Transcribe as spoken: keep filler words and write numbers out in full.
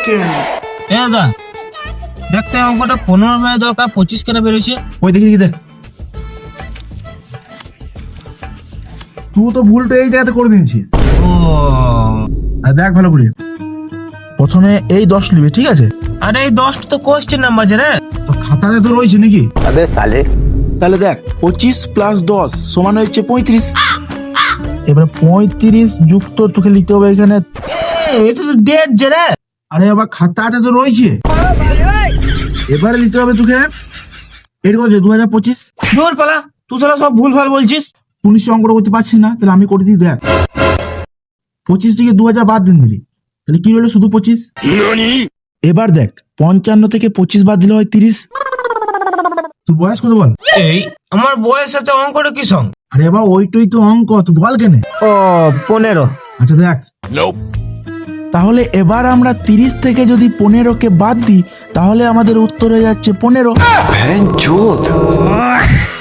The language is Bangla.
সেকেন্ড। এ দাদা দেখতে অঙ্কটা পনেরো মানে দরকার পঁচিশ কেন বেরোছে? ওই দেখি দেখি দেখ, তুই তো ভুলটা এই জায়গাতে করে দিয়েছিস। ও আর দেখ ভালো করে, প্রথমে এই দশ নিবি, ঠিক আছে? আরে এই দশটা তো কোয়েশ্চেন নাম্বার আছে রে। তো খাতাতে তো রয়েছে নাকি? अबे साले তাহলে দেখ, পঁচিশ প্লাস দশ সমান হচ্ছে পঁয়ত্রিশ। এবার পঁয়ত্রিশ যুক্ত তোকে লিখতে হবে এখানে। এ, এটা তো ডেট যে রে। আরে আবার খাতাতে তো রয়েছে, এবারে লিখতে হবে তোকে। এটা কত, দু হাজার পঁচিশ। দূর পালা, তুই সালা সব ভুল ভাল বলছিস। উনিশ অঙ্কটা করতে পারছিস না, তাহলে আমি করে দিই। দেখ, পঁচিশ থেকে দু হাজার বাদ দিন দিলি, তাহলে কি হলো? শুধু পঁচিশ। এবার দেখ, পঞ্চান্ন থেকে পঁচিশ বাদ দিলে হয় তিরিশ। তুই বয়স কত বল? এই আমার বয়স আছে, অঙ্কটা কি সঙ্গ? আরে এবার ওইটাই তো অঙ্ক, তুই বল কেনে? ও পনেরো। আচ্ছা দেখ, তাহলে এবার আমরা তিরিশ থেকে যদি পনেরো কে বাদ দিই, তাহলে আমাদের উত্তর হয়ে যাচ্ছে পনেরো।